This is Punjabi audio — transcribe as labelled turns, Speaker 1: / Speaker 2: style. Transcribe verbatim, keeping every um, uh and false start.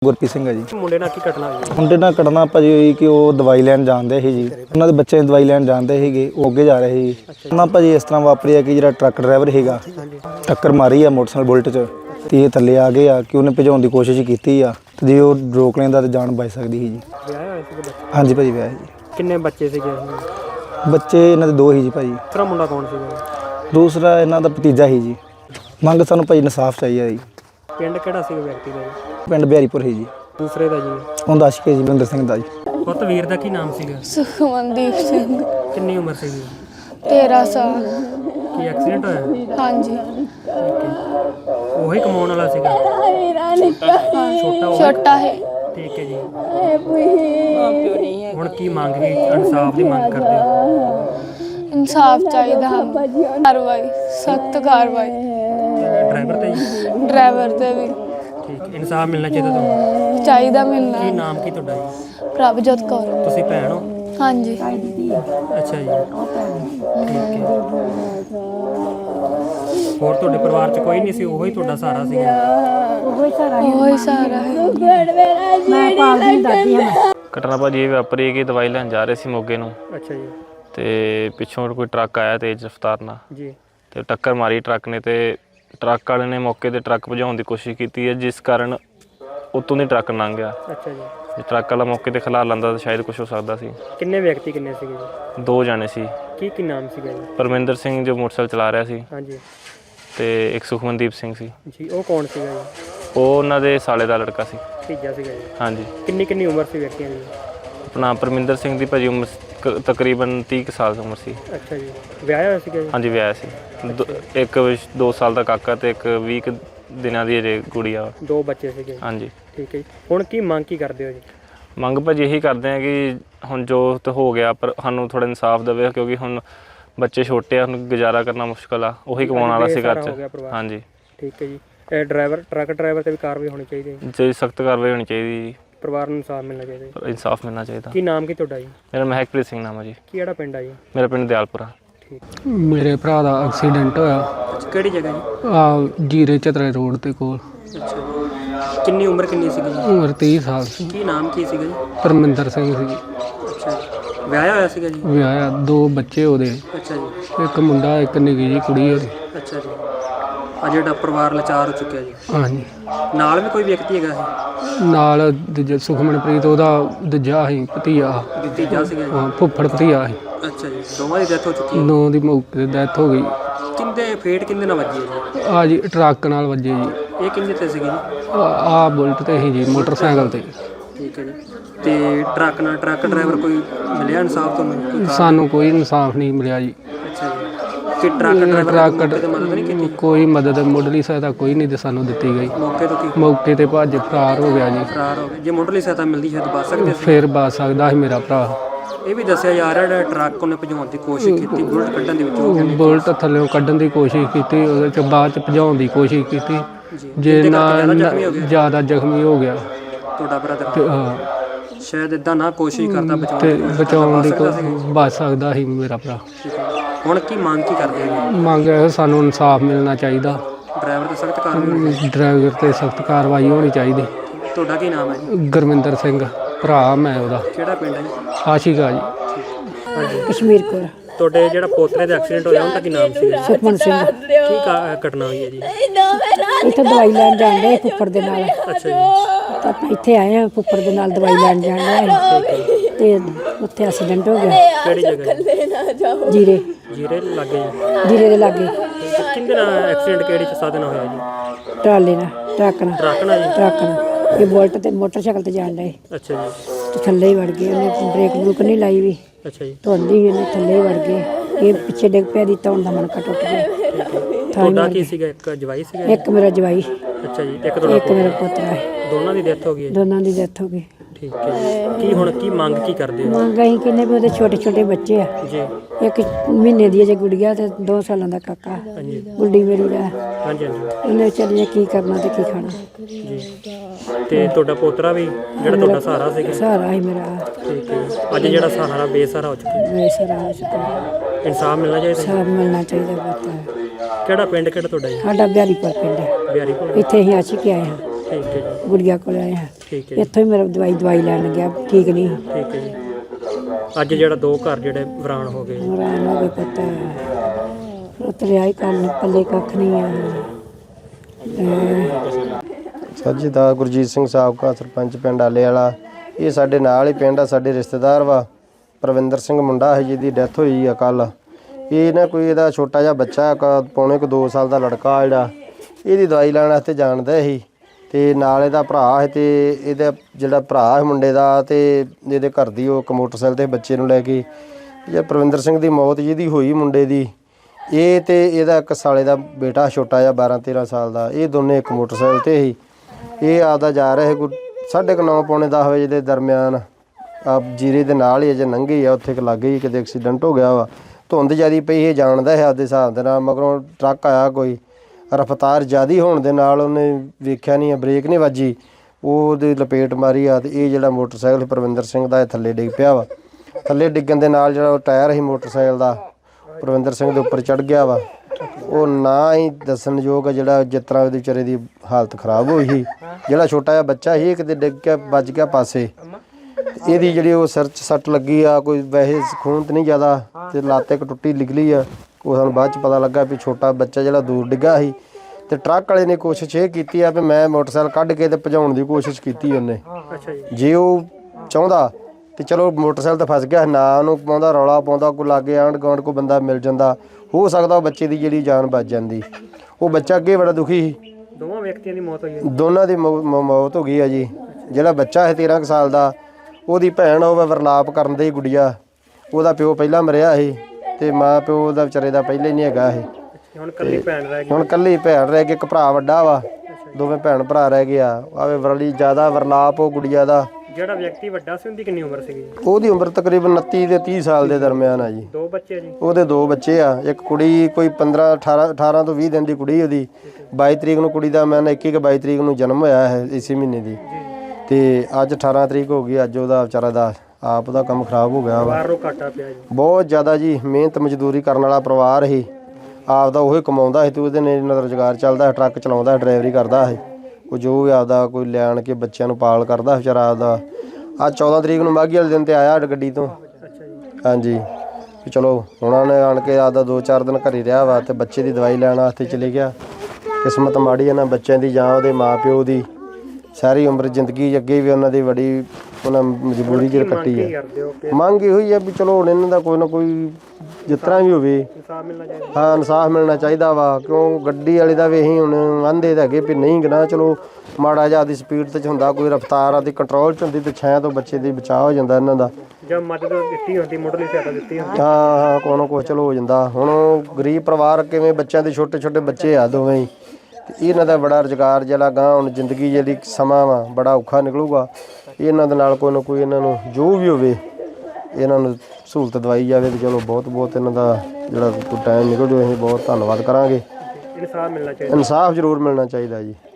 Speaker 1: ਗੁਰਪ੍ਰੀਤ ਸਿੰਘ ਹੈ ਜੀ।
Speaker 2: ਮੁੰਡੇ ਨਾਲ ਕੀ ਘਟਨਾ ਹੋਈ?
Speaker 1: ਮੁੰਡੇ ਨਾਲ ਘਟਨਾ ਭਾਜੀ ਹੋਈ ਕਿ ਉਹ ਦਵਾਈ ਲੈਣ ਜਾਂਦੇ ਸੀ ਜੀ। ਉਹਨਾਂ ਦੇ ਬੱਚੇ ਦਵਾਈ ਲੈਣ ਜਾਂਦੇ ਸੀਗੇ, ਉਹ ਅੱਗੇ ਜਾ ਰਹੇ ਸੀ। ਉਹਨਾਂ ਭਾਜੀ ਇਸ ਤਰ੍ਹਾਂ ਵਾਪਰੀ ਆ ਕਿ ਜਿਹੜਾ ਟਰੱਕ ਡਰਾਈਵਰ ਸੀਗਾ ਟੱਕਰ ਮਾਰੀ ਆ ਮੋਟਰਸਾਈਕਲ ਬੁਲਟ 'ਚ, ਤੇ ਇਹ ਥੱਲੇ ਆ ਗਏ ਆ ਕਿ ਉਹਨੇ ਭਜਾਉਣ ਦੀ ਕੋਸ਼ਿਸ਼ ਕੀਤੀ ਆ, ਤੇ ਜੇ ਉਹ ਰੋਕ ਲੈਂਦਾ ਤਾਂ ਜਾਨ ਬਚ ਸਕਦੀ ਸੀ ਜੀ।
Speaker 2: ਵਿਆਹ ਹੋਇਆ ਸੀ ਬੱਚਾ?
Speaker 1: ਹਾਂਜੀ ਭਾਜੀ ਵਿਆਹ ਜੀ।
Speaker 2: ਕਿੰਨੇ ਬੱਚੇ ਸੀਗੇ?
Speaker 1: ਬੱਚੇ ਇਹਨਾਂ ਦੇ ਦੋ ਹੀ ਜੀ ਭਾਜੀ।
Speaker 2: ਦੂਸਰਾ ਮੁੰਡਾ ਕੌਣ ਸੀਗਾ?
Speaker 1: ਦੂਸਰਾ ਇਹਨਾਂ ਦਾ ਭਤੀਜਾ ਹੀ ਜੀ। ਮੰਗ ਸਾਨੂੰ ਭਾਜੀ ਇਨਸਾਫ ਚਾਹੀਦਾ ਜੀ।
Speaker 2: ਪਿੰਡ ਕਿਹੜਾ ਸੀਗਾ ਵਿਅਕਤੀ ਦਾ ਜੀ?
Speaker 1: ਪਿੰਡ ਬਿਹਾਰੀਪੁਰ ਹੀ ਜੀ।
Speaker 2: ਦੂਸਰੇ ਦਾ ਜੀ?
Speaker 1: ਉਹਦਾ ਆਸ਼ਿਕ ਹੈ ਜੀ, ਬਿੰਦਰ ਸਿੰਘ ਦਾ ਜੀ।
Speaker 2: ਪੁੱਤ ਵੀਰ ਦਾ ਕੀ ਨਾਮ ਸੀਗਾ?
Speaker 3: ਸੁਖਮਨਦੀਪ ਸਿੰਘ।
Speaker 2: ਕਿੰਨੀ ਉਮਰ ਸੀਗੀ?
Speaker 3: ਤੇਰਾਂ ਸਾਲ।
Speaker 2: ਕੀ ਐਕਸੀਡੈਂਟ ਹੋਇਆ?
Speaker 3: ਹਾਂਜੀ।
Speaker 2: ਉਹੀ ਕਮਾਉਣ ਵਾਲਾ ਸੀਗਾ? ਛੋਟਾ
Speaker 3: ਛੋਟਾ ਹੈ।
Speaker 2: ਠੀਕ ਹੈ ਜੀ। ਹੁਣ ਕੀ ਮੰਗ ਹੈ? ਇਨਸਾਫ ਦੀ ਮੰਗ ਕਰਦੇ ਹੋ?
Speaker 3: ਇਨਸਾਫ ਚਾਹੀਦਾ ਹਨ, ਕਾਰਵਾਈ, ਸਖਤ ਕਾਰਵਾਈ
Speaker 2: ਡਰਾਈਵਰ ਤੇ ਜੀ?
Speaker 3: ਡਰਾਈਵਰ ਤੇ ਵੀ
Speaker 2: ਠੀਕ। ਇਨਸਾਫ ਮਿਲਣਾ ਚਾਹੀਦਾ ਤੁਹਾਨੂੰ?
Speaker 3: ਚਾਹੀਦਾ
Speaker 2: ਕੀ
Speaker 3: ਮਿਲਣਾ।
Speaker 2: ਨਾਮ ਕੀ ਤੁਹਾਡਾ ਜੀ?
Speaker 3: ਪ੍ਰਭਜੋਤ ਕੌਰ।
Speaker 2: ਤੁਸੀਂ ਭੈਣ ਹੋ?
Speaker 3: ਹਾਂਜੀ।
Speaker 2: ਅੱਛਾ ਜੀ। ਠੀਕ ਹੈ। ਹੋਰ ਤੁਹਾਡੇ ਪਰਿਵਾਰ 'ਚ ਕੋਈ ਨਹੀਂ ਸੀ? ਉਹੀ ਤੁਹਾਡਾ ਸਹਾਰਾ ਸੀਗਾ?
Speaker 3: ਉਹੀ ਸਾਰਾ ਹੈ।
Speaker 4: ਘਟਨਾ ਭਾਜੀ ਇਹ ਵਾਪਰੀ ਕਿ ਦਵਾਈ ਲੈਣ ਜਾ ਰਹੇ ਸੀ ਮੋਗੇ ਨੂੰ,
Speaker 2: ਅੱਛਾ ਜੀ।
Speaker 4: ਤੇ ਪਿੱਛੋਂ ਕੋਈ ਟਰੱਕ ਆਇਆ ਤੇਜ਼ ਰਫ਼ਤਾਰ ਨਾਲ,
Speaker 2: ਜੀ।
Speaker 4: ਤੇ ਟੱਕਰ ਮਾਰੀ ਟਰੱਕ ਨੇ, ਤੇ ਟਰੱਕ ਵਾਲੇ ਨੇ ਮੌਕੇ ਤੇ ਟਰੱਕ ਭਜਾਉਣ ਦੀ ਕੋਸ਼ਿਸ਼ ਕੀਤੀ ਹੈ, ਜਿਸ ਕਾਰਨ ਉੱਤੋਂ ਦੀ ਟਰੱਕ ਲੰਘ ਗਿਆ।
Speaker 2: ਅੱਛਾ ਜੀ।
Speaker 4: ਜੇ ਟਰੱਕ ਵਾਲਾ ਮੌਕੇ ਤੇ ਖਿਲਾ ਲੈਂਦਾ ਤਾਂ ਸ਼ਾਇਦ ਕੁਝ ਹੋ ਸਕਦਾ ਸੀ।
Speaker 2: ਕਿੰਨੇ ਵਿਅਕਤੀ ਕਿੰਨੇ ਸੀਗੇ ਜੀ?
Speaker 4: ਦੋ ਜਾਣੇ ਸੀ।
Speaker 2: ਕੀ ਕੀ ਨਾਮ ਸੀਗਾ ਜੀ?
Speaker 4: ਪਰਮਿੰਦਰ ਸਿੰਘ ਜੋ ਮੋਟਰਸਾਈਕਲ ਚਲਾ ਰਿਹਾ ਸੀ,
Speaker 2: ਹਾਂਜੀ।
Speaker 4: ਤੇ ਇੱਕ ਸੁਖਮਨਦੀਪ ਸਿੰਘ ਸੀ।
Speaker 2: ਜੀ। ਉਹ ਕੌਣ ਸੀਗਾ ਜੀ?
Speaker 4: ਉਹ ਉਹਨਾਂ ਦੇ ਸਾਲੇ ਦਾ ਲੜਕਾ ਸੀ।
Speaker 2: ਭਤੀਜਾ ਸੀਗਾ ਜੀ?
Speaker 4: ਹਾਂਜੀ।
Speaker 2: ਕਿੰਨੀ ਕਿੰਨੀ ਉਮਰ ਸੀ ਵਿਅਕਤੀਆਂ ਦੀ?
Speaker 4: ਆਪਣਾ ਪਰਮਿੰਦਰ ਸਿੰਘ ਦੀ ਭਾਜੀ ਉਮਰ ਕ- ਤਕਰੀਬਨ ਤੀਹ ਕੁ ਸਾਲ ਦੀ ਉਮਰ ਸੀ।
Speaker 2: ਅੱਛਾ ਜੀ। ਵਿਆਹਿਆ ਹੋਇਆ ਸੀਗਾ ਜੀ?
Speaker 4: ਹਾਂਜੀ ਵਿਆਹ ਸੀ। ਦੋ- ਇੱਕ ਦੋ ਸਾਲ ਦਾ ਕਾਕਾ ਤੇ ਇੱਕ ਵੀਹ ਕੁ ਦਿਨਾਂ ਦੀ ਅਜੇ ਗੁੜੀਆ।
Speaker 2: ਦੋ ਬੱਚੇ ਸੀਗੇ?
Speaker 4: ਹਾਂਜੀ।
Speaker 2: ਠੀਕ ਹੈ ਜੀ। ਹੁਣ ਕੀ ਮੰਗ ਕੀ ਕਰਦੇ ਹੋ ਜੀ?
Speaker 4: ਮੰਗ ਭਾਜੀ ਇਹੀ ਕਰਦੇ ਆ ਕਿ ਹੁਣ ਜੋ ਤਾਂ ਹੋ ਗਿਆ, ਪਰ ਸਾਨੂੰ ਥੋੜਾ ਇਨਸਾਫ ਦੇਵੇ, ਕਿਉਂਕਿ ਹੁਣ ਬੱਚੇ ਛੋਟੇ ਆ, ਹੁਣ ਗੁਜ਼ਾਰਾ ਕਰਨਾ ਮੁਸ਼ਕਲ ਆ। ਉਹੀ ਕਮਾਉਣ ਵਾਲਾ ਸੀ ਘਰ 'ਚ। ਹਾਂਜੀ।
Speaker 2: ਠੀਕ ਹੈ ਜੀ। ਇਹ ਡਰਾਈਵਰ ਟਰੱਕ ਡਰਾਈਵਰ ਤੇ ਵੀ ਕਾਰਵਾਈ ਹੋਣੀ ਚਾਹੀਦੀ ਹੈ?
Speaker 4: ਜੇ ਸਖਤ ਕਾਰਵਾਈ ਹੋਣੀ ਚਾਹੀਦੀ ਜੀ।
Speaker 2: ਪਰਿਵਾਰ ਨੂੰ ਇਨਸਾਫ ਮਿਲਣਾ ਚਾਹੀਦਾ ਜੀ।
Speaker 4: ਇਨਸਾਫ ਮਿਲਣਾ ਚਾਹੀਦਾ।
Speaker 2: ਕੀ ਨਾਮ ਕੀ ਤੁਹਾਡਾ ਜੀ?
Speaker 4: ਮੇਰਾ ਮਹਿਕਪ੍ਰੀਤ ਸਿੰਘ ਨਾਮ ਹੈ ਜੀ।
Speaker 2: ਕਿਹੜਾ ਪਿੰਡ ਆ ਜੀ?
Speaker 4: ਮੇਰਾ ਪਿੰਡ ਦਿਆਲਪੁਰਾ।
Speaker 2: ਠੀਕ।
Speaker 5: ਮੇਰੇ ਭਰਾ ਦਾ ਐਕਸੀਡੈਂਟ ਹੋਇਆ
Speaker 2: ਕਿਹੜੀ ਜਗ੍ਹਾ ਜੀ?
Speaker 5: ਆ ਜੀਰੇ ਚਤਰੇ ਰੋਡ ਦੇ ਕੋਲ।
Speaker 2: ਅੱਛਾ ਜੀ। ਕਿੰਨੀ ਉਮਰ ਕਿੰਨੀ ਸੀਗੀ ਜੀ?
Speaker 5: ਉਮਰ ਤੀਹ ਸਾਲ ਸੀ।
Speaker 2: ਕੀ ਨਾਮ ਕੀ ਸੀਗਾ ਜੀ?
Speaker 5: ਪਰਮਿੰਦਰ ਸਿੰਘ ਸੀ।
Speaker 2: ਅੱਛਾ ਜੀ। ਵਿਆਹਿਆ ਹੋਇਆ ਸੀਗਾ ਜੀ?
Speaker 5: ਵਿਆਹਿਆ, ਦੋ ਬੱਚੇ ਉਹਦੇ,
Speaker 2: ਅੱਛਾ ਜੀ।
Speaker 5: ਇੱਕ ਮੁੰਡਾ ਇੱਕ ਨਿੱਕੀ ਜਿਹੀ ਕੁੜੀ ਉਹਦੀ।
Speaker 2: ਅੱਛਾ ਜੀ। ਆ ਜਿਹੜਾ ਪਰਿਵਾਰ ਲਾਚਾਰ ਹੋ ਚੁੱਕਿਆ ਜੀ।
Speaker 5: ਹਾਂਜੀ।
Speaker 2: ਨਾਲ ਵੀ ਕੋਈ ਵਿਅਕਤੀ ਹੈਗਾ ਹੈ?
Speaker 5: ਨਾਲ ਦੂਜਾ ਸੁਖਮਨਪ੍ਰੀਤ ਉਹਦਾ ਦੂਜਾ ਸੀ ਭਤੀਆ,
Speaker 2: ਭਤੀਜਾ ਸੀਗਾ ਜੀ?
Speaker 5: ਹਾਂ ਫੁੱਫੜ ਭਤੀਆ ਸੀ।
Speaker 2: ਅੱਛਾ ਜੀ। ਦੋਵਾਂ ਦੀ ਡੈਥ ਹੋ ਚੁੱਕੀ ਹੈ?
Speaker 5: ਨੌ ਦੀ ਮੌਕੇ ਤੇ ਡੈਥ ਹੋ ਗਈ।
Speaker 2: ਕਿੰਦੇ ਫੇਟ ਕਿੰਦੇ ਨਾਲ ਵੱਜੀ ਹੈ ਜੀ?
Speaker 5: ਆ ਜੀ ਟਰੱਕ ਨਾਲ ਵੱਜੇ ਜੀ।
Speaker 2: ਇਹ ਕਿੰਦੇ ਤੇ ਸੀਗੀ ਜੀ?
Speaker 5: ਆ ਬੁਲਟ ਤੇ ਸੀ ਜੀ, ਮੋਟਰਸਾਈਕਲ ਤੇ।
Speaker 2: ਠੀਕ ਹੈ ਜੀ। ਤੇ ਟਰੱਕ ਨਾਲ ਟਰੱਕ ਡਰਾਈਵਰ ਕੋਈ ਮਿਲਿਆ ਇਨਸਾਫ ਤੁਹਾਨੂੰ?
Speaker 5: ਸਾਨੂੰ ਕੋਈ ਇਨਸਾਫ ਨਹੀਂ ਮਿਲਿਆ ਜੀ।
Speaker 2: ਅੱਛਾ ਜੀ। ਕਿ ਟਰੱਕ ਡਰਾਈਵਰ ਨੇ ਮੌਕੇ ਤੇ ਮਦਦ ਨਹੀਂ ਕੀਤੀ?
Speaker 5: ਕੋਈ ਮਦਦ ਮੁੱਢਲੀ ਸਹਾਇਤਾ ਕੋਈ ਨਹੀਂ ਸਾਨੂੰ ਦਿੱਤੀ ਗਈ।
Speaker 2: ਮੌਕੇ ਤੋਂ ਕੀ
Speaker 5: ਮੌਕੇ ਤੇ ਭੱਜ ਫਰਾਰ ਹੋ ਗਿਆ ਜੀ।
Speaker 2: ਫਰਾਰ ਹੋ ਗਏ? ਜੇ ਮੁੱਢਲੀ ਸਹਾਇਤਾ ਮਿਲਦੀ ਸ਼ਾਇਦ ਬਚ ਸਕਦੇ ਸੀ।
Speaker 5: ਫਿਰ ਬਚ ਸਕਦਾ ਸੀ ਮੇਰਾ ਭਰਾ।
Speaker 2: ਇਹ ਵੀ ਦੱਸਿਆ ਜਾ ਰਿਹਾ ਜਿਹੜਾ ਟਰੱਕ ਉਹਨੇ ਭਜਾਉਣ ਦੀ ਕੋਸ਼ਿਸ਼ ਕੀਤੀ, ਬੁਲਟ ਕੱਢਣ ਦੀ ਵਿੱਚੋਂ।
Speaker 5: ਬੁਲਟ ਥੱਲੇੋਂ ਕੱਢਣ ਦੀ ਕੋਸ਼ਿਸ਼ ਕੀਤੀ, ਉਹਦੇ ਚ ਬਾਅਦ ਚ ਭਜਾਉਣ ਦੀ ਕੋਸ਼ਿਸ਼ ਕੀਤੀ।
Speaker 2: ਜੀ।
Speaker 5: ਜੇ ਨਾ
Speaker 2: ਜ਼ਖਮੀ ਹੋ ਗਿਆ
Speaker 5: ਜ਼ਿਆਦਾ ਜ਼ਖਮੀ ਹੋ ਗਿਆ
Speaker 2: ਤੁਹਾਡਾ ਬ੍ਰਦਰ?
Speaker 5: ਤੇ ਹਾਂ,
Speaker 2: ਸ਼ਾਇਦ ਇਦਾਂ ਨਾ ਕੋਸ਼ਿਸ਼ ਕਰਦਾ ਬਚਾਉਣ
Speaker 5: ਤੇ
Speaker 2: ਦੀ,
Speaker 5: ਬਚਾਉਣ ਦੀ
Speaker 2: ਬਚ ਸਕਦਾ ਸੀ।
Speaker 5: ਕੋ- ਬਚ ਸਕਦਾ ਸੀ ਮੇਰਾ ਭਰਾ।
Speaker 2: ਠੀਕ ਹੈ। ਹੁਣ ਕੀ ਮੰਗ ਕੀ ਕਰਦੇ ਹੋ?
Speaker 5: ਮੰਗ ਹੈ ਸਾਨੂੰ ਇਨਸਾਫ ਮਿਲਣਾ ਚਾਹੀਦਾ।
Speaker 2: ਡਰਾਈਵਰ ਤੇ ਸਖਤ ਕਾਰਵਾਈ ਹੋਣੀ
Speaker 5: ਡਰਾਈਵਰ ਤੇ ਸਖਤ ਕਾਰਵਾਈ ਹੋਣੀ ਚਾਹੀਦੀ।
Speaker 2: ਚਾਹੀਦੀ। ਤੁਹਾਡਾ ਕੀ ਨਾਮ ਹੈ ਜੀ?
Speaker 5: ਗੁਰਮਿੰਦਰ ਸਿੰਘ ਭਰਾ ਮੈਂ ਉਹਦਾ।
Speaker 2: ਕਿਹੜਾ ਪਿੰਡ ਹੈ ਜੀ?
Speaker 5: ਆਸ਼ਿਕਾ ਜੀ।
Speaker 2: ਹਾਂਜੀ।
Speaker 6: ਕਸ਼ਮੀਰ ਕੋਲ
Speaker 2: ਤੁਹਾਡੇ ਜਿਹੜਾ ਪੋਤਰੇ ਦਾ ਐਕਸੀਡੈਂਟ ਹੋਇਆ ਉਹਦਾ ਕੀ ਨਾਮ ਸੀ?
Speaker 6: ਸੁਖਮਨ ਸਿੰਘ।
Speaker 2: ਕੀ ਕਾ- ਘਟਨਾ ਹੋਈ ਹੈ ਜੀ?
Speaker 6: ਇੱਥੇ ਦਵਾਈ ਲੈਣ ਜਾਂਦੇ ਫੁੱਫੜ ਦੇ ਨਾਲ,
Speaker 2: ਅੱਛਾ ਜੀ।
Speaker 6: ਤਾਂ ਆਪਾਂ ਇੱਥੇ ਆਏ ਆ ਫੁੱਫੜ ਦੇ ਨਾਲ ਦਵਾਈ ਲੈਣ ਜਾਂਦੇ ਤੇ ਉੱਥੇ ਐਕਸੀਡੈਂਟ ਹੋ ਗਿਆ
Speaker 2: ਕਿਹੜੀ ਜਗ੍ਹਾ ਜੀ?
Speaker 6: ਜੀਰੇ
Speaker 2: ਜੀਰੇ ਲੱਗੇ ਜੀ?
Speaker 6: ਜੀਰੇ ਦੇ ਲਾਗੇ।
Speaker 2: ਤੇ ਕਿਹਦੇ ਨਾਲ ਐਕਸੀਡੈਂਟ ਕਿਹੜੀ ਚ ਸਾਧਨ ਹੋਇਆ ਜੀ?
Speaker 6: ਟਰਾਲੇ ਨਾਲ, ਟਰੱਕ ਨਾਲ
Speaker 2: ਟਰੱਕ ਨਾਲ ਜੀ?
Speaker 6: ਟਰੱਕ ਨਾਲ। ਇਹ ਬੁਲਟ ਤੇ ਮੋਟਰਸਾਈਕਲ ਤੇ ਜਾਣ ਡਏ
Speaker 2: ਅੱਛਾ ਜੀ।
Speaker 6: ਤੇ ਥੱਲੇ ਹੀ ਵੜ ਗਏ। ਉਹਨੇ ਬ੍ਰੇਕ ਬਰੂਕ ਨਹੀਂ ਲਾਈ ਵੀ,
Speaker 2: ਅੱਛਾ ਜੀ।
Speaker 6: ਧੁੰਦੀ ਇਹਨੇ ਥੱਲੇ ਹੀ ਵੜ ਗਏ। ਇਹ ਪਿੱਛੇ ਡਿੱਗ ਪਿਆ ਦੀ ਧੌਣ ਦਾ ਮਣਕਾ ਟੁੱਟ ਗਿਆ।
Speaker 2: ਤੁਹਾਡਾ ਕੀ ਸੀਗਾ? ਇੱਕ ਜਵਾਈ ਸੀਗਾ?
Speaker 6: ਇੱਕ ਮੇਰਾ ਜਵਾਈ,
Speaker 2: ਅੱਛਾ ਜੀ। ਇੱਕ ਤੁਹਾਡਾ
Speaker 6: ਇੱਕ ਮੇਰਾ ਪੋਤਰਾ ਹੈ।
Speaker 2: ਦੋਨਾਂ ਦੀ ਡੈਥ ਹੋ ਗਈ ਹੈ ਜੀ?
Speaker 6: ਦੋਨਾਂ ਦੀ ਡੈਥ ਹੋ ਗਈ।
Speaker 2: ਠੀਕ ਹੈ ਜੀ। ਕੀ ਹੁਣ ਕੀ ਮੰਗ ਕੀ ਕਰਦੇ ਹੋ?
Speaker 6: ਮੰਗ ਅਸੀਂ ਕਹਿੰਦੇ ਵੀ ਉਹਦੇ ਛੋਟੇ ਛੋਟੇ ਬੱਚੇ ਆ।
Speaker 2: ਜੀ।
Speaker 6: ਇੱਕ ਮਹੀਨੇ ਦੀ ਅਜੇ ਗੁੜੀਆ ਤੇ ਦੋ ਸਾਲਾਂ ਦਾ ਕਾਕਾ।
Speaker 2: ਹਾਂਜੀ
Speaker 6: ਗੁੱਡੀ ਮੇਰੀ ਦਾ।
Speaker 2: ਹਾਂਜੀ ਹਾਂਜੀ
Speaker 6: ਉਹਨੇ ਚੱਲੀਏ ਕੀ ਕਰਨਾ ਤੇ ਕੀ ਖਾਣਾ।
Speaker 2: ਜੀ। ਤੇ ਤੁਹਾਡਾ ਪੋਤਰਾ ਵੀ ਜਿਹੜਾ ਤੁਹਾਡਾ ਸਹਾਰਾ ਸੀਗਾ?
Speaker 6: ਸਹਾਰਾ ਹੀ ਮੇਰਾ
Speaker 2: ਠੀਕ ਹੈ ਜੀ। ਅੱਜ ਜਿਹੜਾ ਸਹਾਰਾ ਬੇਸਹਾਰਾ ਹੋ ਚੁੱਕਿਆ,
Speaker 6: ਬੇਸਹਾਰਾ ਹੋ ਚੁੱਕਾ।
Speaker 2: ਇਨਸਾਫ ਮਿਲਣਾ ਚਾਹੀਦਾ।
Speaker 6: ਸਾਬ ਮਿਲਣਾ ਚਾਹੀਦਾ ਪੁੱਤ।
Speaker 2: ਕਿਹੜਾ ਪਿੰਡ ਕਿਹੜਾ ਤੁਹਾਡਾ ਜੀ?
Speaker 6: ਸਾਡਾ ਬਿਹਾਰੀਪੁਰ ਪਿੰਡ ਹੈ।
Speaker 2: ਬਿਹਾਰੀਪੁਰ।
Speaker 6: ਇੱਥੇ ਅਸੀਂ ਆਸ਼ੀ ਕੇ ਆਏ ਹਾਂ,
Speaker 2: ਠੀਕ ਹੈ ਜੀ।
Speaker 6: ਗੁੜੀਆ ਕੋਲ ਆਏ ਹਾਂ।
Speaker 2: ਠੀਕ ਹੈ ਜੀ,
Speaker 6: ਇੱਥੋਂ ਹੀ ਮੇਰਾ ਦਵਾਈ ਦਵਾਈ ਲੈਣ ਗਿਆ, ਠੀਕ ਨਹੀਂ
Speaker 2: ਠੀਕ ਹੈ ਜੀ। ਅੱਜ ਜਿਹੜਾ ਦੋ ਘਰ ਜਿਹੜੇ ਵੀਰਾਨ ਹੋ ਗਏ,
Speaker 6: ਮਰਾਨ ਹੋ ਗਏ ਪੁੱਤ, ਉਤਰਿਆ ਹੀ ਕਰਨ ਪੱਲੇ ਕੱਖ ਨਹੀਂ ਆ।
Speaker 7: ਸਰ ਜੀ ਦਾ ਗੁਰਜੀਤ ਸਿੰਘ ਸਾਬਕਾ ਸਰਪੰਚ ਪਿੰਡ ਆਲੇ ਵਾਲਾ, ਇਹ ਸਾਡੇ ਨਾਲ ਹੀ ਪਿੰਡ ਆ, ਸਾਡੇ ਰਿਸ਼ਤੇਦਾਰ ਵਾ। ਪ੍ਰਵਿੰਦਰ ਸਿੰਘ ਮੁੰਡਾ ਹੈ ਜਿਹਦੀ ਡੈਥ ਹੋਈ ਆ ਕੱਲ। ਇਹ ਨਾ ਕੋਈ ਇਹਦਾ ਛੋਟਾ ਜਿਹਾ ਬੱਚਾ ਕ- ਪੌਣੇ ਕੁ ਦੋ ਸਾਲ ਦਾ ਲੜਕਾ ਜਿਹੜਾ, ਇਹਦੀ ਦਵਾਈ ਲੈਣ ਵਾਸਤੇ ਜਾਣਦਾ ਸੀ ਤੇ ਨਾਲ ਇਹਦਾ ਭਰਾ ਹੈ ਤੇ ਇਹਦਾ ਜਿਹੜਾ ਭਰਾ ਹੈ ਮੁੰਡੇ ਦਾ ਤੇ ਇਹਦੇ ਘਰ ਦੀ ਉਹ ਇੱਕ ਮੋਟਰਸਾਈਕਲ ਤੇ ਬੱਚੇ ਨੂੰ ਲੈ ਕੇ, ਇਹ ਪ੍ਰਵਿੰਦਰ ਸਿੰਘ ਦੀ ਮੌਤ ਜਿਹਦੀ ਹੋਈ ਮੁੰਡੇ ਦੀ, ਇਹ ਤੇ ਇਹਦਾ ਇੱਕ ਸਾਲੇ ਦਾ ਬੇਟਾ ਛੋਟਾ ਜਿਹਾ ਬਾਰਾਂ ਤੇਰਾਂ ਸਾਲ ਦਾ, ਇਹ ਦੋਨੇ ਇੱਕ ਮੋਟਰਸਾਈਕਲ ਤੇ ਹੀ। ਇਹ ਆਪਦਾ ਜਾ ਰਹੇ ਕੋਈ ਸਾਢੇ ਕੁ ਨੌ ਪੌਣੇ ਦਸ ਵਜੇ ਦੇ ਦਰਮਿਆਨ ਆਪ ਜੀਰੇ ਦੇ ਨਾਲ ਹੀ ਅਜੇ ਲੰਘੇ ਆ, ਉੱਥੇ ਲਾਗੇ ਹੀ ਕਿਤੇ ਐਕਸੀਡੈਂਟ ਹੋ ਗਿਆ ਵਾ। ਧੁੰਦ ਜ਼ਿਆਦੀ ਪਈ, ਇਹ ਜਾਣਦਾ ਹੈ ਆਪਦੇ ਹਿਸਾਬ ਦੇ ਨਾਲ, ਮਗਰੋਂ ਟਰੱਕ ਆਇਆ ਕੋਈ, ਰਫ਼ਤਾਰ ਜ਼ਿਆਦੀ ਹੋਣ ਦੇ ਨਾਲ ਉਹਨੇ ਵੇਖਿਆ ਨਹੀਂ, ਬ੍ਰੇਕ ਨਹੀਂ ਵੱਜੀ, ਉਹਦੀ ਲਪੇਟ ਮਾਰੀ ਆ ਤੇ ਇਹ ਜਿਹੜਾ ਮੋਟਰਸਾਈਕਲ ਪ੍ਰਵਿੰਦਰ ਸਿੰਘ ਦਾ ਇਹ ਥੱਲੇ ਡਿੱਗ ਪਿਆ ਵਾ। ਥੱਲੇ ਡਿੱਗਣ ਦੇ ਨਾਲ ਜਿਹੜਾ ਉਹ ਟਾਇਰ ਸੀ ਮੋਟਰਸਾਈਕਲ ਦਾ ਪ੍ਰਵਿੰਦਰ ਸਿੰਘ ਦੇ ਉੱਪਰ ਚੜ੍ਹ ਗਿਆ ਵਾ। ਉਹ ਨਾ ਹੀ ਦੱਸਣਯੋਗ ਆ, ਜਿਹੜਾ ਜਿਸ ਤਰ੍ਹਾਂ ਉਹਦੇ ਵਿਚਾਰੇ ਦੀ ਹਾਲਤ ਖਰਾਬ ਹੋਈ ਸੀ। ਜਿਹੜਾ ਛੋਟਾ ਜਿਹਾ ਬੱਚਾ ਸੀ ਕਿਤੇ ਡਿੱਗ ਕੇ ਵੱਜ ਗਿਆ ਪਾਸੇ, ਇਹਦੀ ਜਿਹੜੀ ਉਹ ਸਿਰ 'ਚ ਸੱਟ ਲੱਗੀ ਆ, ਕੋਈ ਵੈਸੇ ਖੂਨ ਤਾਂ ਨਹੀਂ ਜ਼ਿਆਦਾ ਤੇ ਲੱਤ ਇੱਕ ਟੁੱਟੀ ਨਿਕਲੀ ਆ। ਉਹ ਸਾਨੂੰ ਬਾਅਦ 'ਚ ਪਤਾ ਲੱਗਾ ਵੀ ਛੋਟਾ ਬੱਚਾ ਜਿਹੜਾ ਦੂਰ ਡਿੱਗਾ ਸੀ ਤੇ ਟਰੱਕ ਵਾਲੇ ਨੇ ਕੋਸ਼ਿਸ਼ ਇਹ ਕੀਤੀ ਆ ਵੀ ਮੈਂ ਮੋਟਰਸਾਈਕਲ ਕੱਢ ਕੇ ਤੇ ਭਜਾਉਣ ਦੀ ਕੋਸ਼ਿਸ਼ ਕੀਤੀ ਉਹਨੇ।
Speaker 2: ਅੱਛਾ ਜੀ,
Speaker 7: ਜੇ ਉਹ ਚਾਹੁੰਦਾ ਤੇ ਚਲੋ ਮੋਟਰਸਾਈਕਲ ਤਾਂ ਫਸ ਗਿਆ, ਨਾ ਉਹਨੂੰ ਪਾਉਂਦਾ ਰੌਲਾ ਪਾਉਂਦਾ, ਕੋਈ ਲਾਗੇ ਆਂਢ ਗੁਆਂਢ ਕੋਈ ਬੰਦਾ ਮਿਲ ਜਾਂਦਾ, ਹੋ ਸਕਦਾ ਉਹ ਬੱਚੇ ਦੀ ਜਿਹੜੀ ਜਾਨ ਬਚ ਜਾਂਦੀ। ਉਹ ਬੱਚਾ ਅੱਗੇ ਬੜਾ ਦੁਖੀ ਸੀ।
Speaker 2: ਦੋਵਾਂ ਵਿਅਕਤੀਆਂ ਦੀ ਮੌਤ ਹੋਈ ਹੈ,
Speaker 7: ਦੋਨਾਂ ਦੀ ਮੌ- ਮੌ- ਮੌਤ ਹੋ ਗਈ ਆ ਜੀ। ਜਿਹੜਾ ਬੱਚਾ ਹੈ ਤੇਰਾਂ ਕੁ ਸਾਲ ਦਾ, ਉਹਦੀ ਭੈਣ ਉਹ ਵਰਲਾਪ ਕਰਨ ਦੀ ਗੁੜੀਆ, ਉਹਦਾ ਪਿਓ ਪਹਿਲਾਂ ਮਰਿਆ ਸੀ ਤੇ ਮਾਂ ਪਿਓ ਉਹਦਾ ਵਿਚਾਰੇ ਦਾ ਪਹਿਲੇ ਨਹੀਂ ਹੈਗਾ ਇਹ।
Speaker 2: ਹੁਣ ਇਕੱਲੀ ਭੈਣ ਰਹਿ ਗਈ।
Speaker 7: ਹੁਣ ਇਕੱਲੀ ਭੈਣ ਰਹਿ ਗਈ, ਇੱਕ ਭਰਾ ਵੱਡਾ ਵਾ, ਦੋਵੇਂ ਭੈਣ ਭਰਾ ਰਹਿ ਗਏ ਆ। ਆਵੇ ਬੜੀ ਜ਼ਿਆਦਾ ਵਰਲਾਪ ਉਹ ਗੁੜੀਆ ਦਾ।
Speaker 2: ਜਿਹੜਾ ਵਿਅਕਤੀ ਵੱਡਾ ਸੀ ਉਹਦੀ ਕਿੰਨੀ ਉਮਰ ਸੀਗੀ?
Speaker 7: ਉਹਦੀ ਉਮਰ ਤਕਰੀਬਨ ਉਨੱਤੀ ਤੇ ਤੀਹ ਸਾਲ ਦੇ ਦਰਮਿਆਨ ਆ ਜੀ।
Speaker 2: ਦੋ ਬੱਚੇ ਜੀ?
Speaker 7: ਉਹਦੇ ਦੋ ਬੱਚੇ ਆ, ਇੱਕ ਕੁੜੀ ਕੋਈ ਪੰਦਰਾਂ ਅਠਾਰਾਂ ਅਠਾਰਾਂ ਤੋਂ ਵੀਹ ਦਿਨ ਦੀ ਕੁੜੀ ਉਹਦੀ। ਬਾਈ ਤਰੀਕ ਨੂੰ ਕੁੜੀ ਦਾ ਮੈਂ ਇੱਕੀ ਕੁ ਬਾਈ ਤਰੀਕ ਨੂੰ ਜਨਮ ਹੋਇਆ ਹੈ ਇਸੇ ਮਹੀਨੇ ਦੀ, ਤੇ ਅੱਜ ਅਠਾਰਾਂ ਤਰੀਕ ਹੋ ਗਈ। ਅੱਜ ਉਹਦਾ ਵਿਚਾਰਾ ਦਾ ਆਪ ਦਾ ਕੰਮ ਖਰਾਬ ਹੋ ਗਿਆ ਵਾ।
Speaker 2: ਪਰਿਵਾਰ ਨੂੰ ਘਾਟਾ ਪਿਆ ਜੀ
Speaker 7: ਬਹੁਤ ਜ਼ਿਆਦਾ ਜੀ। ਮਿਹਨਤ ਮਜ਼ਦੂਰੀ ਕਰਨ ਵਾਲਾ ਪਰਿਵਾਰ ਸੀ, ਆਪ ਦਾ ਉਹੀ ਕਮਾਉਂਦਾ ਸੀ ਤੇ ਉਹਦੇ ਨਾਲ ਇਹਨਾਂ ਦਾ ਰੁਜ਼ਗਾਰ ਚੱਲਦਾ ਹੈ। ਟਰੱਕ ਚਲਾਉਂਦਾ, ਡਰਾਈਵਰੀ ਕਰਦਾ ਹੈ, ਉਹ ਜੋ ਵੀ ਆਪਦਾ ਕੋਈ ਲਿਆਣ ਕੇ ਬੱਚਿਆਂ ਨੂੰ ਪਾਲ ਕਰਦਾ ਵਿਚਾਰਾ ਆਪਦਾ। ਅੱਜ ਚੌਦਾਂ ਤਰੀਕ ਨੂੰ ਮਾਘੀ ਵਾਲੇ ਦਿਨ ਤੇ ਆਇਆ ਗੱਡੀ ਤੋਂ।
Speaker 2: ਅੱਛਾ ਜੀ,
Speaker 7: ਹਾਂਜੀ, ਵੀ ਚਲੋ ਉਹਨਾਂ ਨੇ ਆਣ ਕੇ ਆਪਦਾ ਦੋ ਚਾਰ ਦਿਨ ਘਰੇ ਰਿਹਾ ਵਾ ਤੇ ਬੱਚੇ ਦੀ ਦਵਾਈ ਲੈਣ ਵਾਸਤੇ ਚਲੇ ਗਿਆ। ਕਿਸਮਤ ਮਾੜੀ ਇਹਨਾਂ ਬੱਚਿਆਂ ਦੀ ਜਾਂ ਉਹਦੇ ਮਾਂ ਪਿਓ ਦੀ। ਸਾਰੀ ਉਮਰ ਜ਼ਿੰਦਗੀ ਅੱਗੇ ਵੀ ਉਹਨਾਂ ਦੀ ਬੜੀ ਉਹਨਾਂ ਮਜਬੂਰੀ 'ਚ ਕੱਟੀ
Speaker 2: ਕੀ
Speaker 7: ਹੈ।
Speaker 2: ਕਰਦੇ ਹੋ ਕਿ
Speaker 7: ਮੰਗ ਇਹੋ ਹੀ ਆ ਵੀ ਚਲੋ ਹੁਣ ਇਹਨਾਂ ਦਾ ਕੋਈ ਨਾ ਕੋਈ ਜਿਸ ਤਰ੍ਹਾਂ ਵੀ ਹੋਵੇ,
Speaker 2: ਇਨਸਾਫ ਮਿਲਣਾ ਚਾਹੀਦਾ?
Speaker 7: ਹਾਂ ਇਨਸਾਫ ਮਿਲਣਾ ਚਾਹੀਦਾ ਵਾ। ਕਿਉਂ ਗੱਡੀ ਵਾਲੇ ਦਾ ਵੀ ਅਸੀਂ ਹੁਣ ਆਂਦੇ ਤਾਂ ਹੈਗੇ ਵੀ ਨਹੀਂ ਗਨਾ, ਚਲੋ ਮਾੜਾ ਜਿਹਾ ਦੀ ਸਪੀਡ ਤੇ 'ਚ ਹੁੰਦਾ, ਕੋਈ ਰਫ਼ਤਾਰ ਆਦੀ ਕੰਟਰੋਲ 'ਚ ਹੁੰਦੀ ਤੇ ਛਾਂ ਤੋਂ ਬੱਚੇ ਦੀ ਬਚਾਅ ਹੋ ਜਾਂਦਾ ਇਹਨਾਂ ਦਾ।
Speaker 2: ਜਦ ਮਦਦ ਦਿੱਤੀ ਹੁੰਦੀ, ਮੁੱਢਲੀ ਸਹਾਇਤਾ ਦਿੱਤੀ ਹੁੰਦੀ।
Speaker 7: ਹਾਂ ਹਾਂ ਕੋਈ ਨਾ ਕੁਛ ਚਲੋ ਹੋ ਜਾਂਦਾ। ਹੁਣ ਉਹ ਗਰੀਬ ਪਰਿਵਾਰ ਕਿਵੇਂ, ਬੱਚਿਆਂ ਦੇ ਛੋਟੇ ਛੋਟੇ ਬੱਚੇ ਆ ਦੋਵੇਂ ਹੀ, ਤੇ ਇਹਨਾਂ ਦਾ ਬੜਾ ਰੁਜ਼ਗਾਰ ਜਿਹੜਾ ਗਾਂ ਹੁਣ ਜ਼ਿੰਦਗੀ ਜਿਹੜੀ ਸਮਾਂ ਵਾ ਬੜਾ ਔਖਾ ਨਿਕਲੂਗਾ। ਇਹਨਾਂ ਦੇ ਨਾਲ ਕੋਈ ਨਾ ਕੋਈ ਇਹਨਾਂ ਨੂੰ ਜੋ ਵੀ ਹੋਵੇ ਇਹਨਾਂ ਨੂੰ ਸਹੂਲਤ ਦਵਾਈ ਜਾਵੇ ਤੇ ਚਲੋ ਬਹੁਤ ਬਹੁਤ ਇਹਨਾਂ ਦਾ ਜਿਹੜਾ ਕੋਈ ਟਾਈਮ ਨਿਕਲ ਜਾਵੇ, ਅਸੀਂ ਬਹੁਤ ਧੰਨਵਾਦ ਕਰਾਂਗੇ।
Speaker 2: ਇਨਸਾਫ ਮਿਲਣਾ ਚਾਹੀਦਾ।
Speaker 7: ਇਨਸਾਫ ਜ਼ਰੂਰ ਮਿਲਣਾ ਚਾਹੀਦਾ ਜੀ।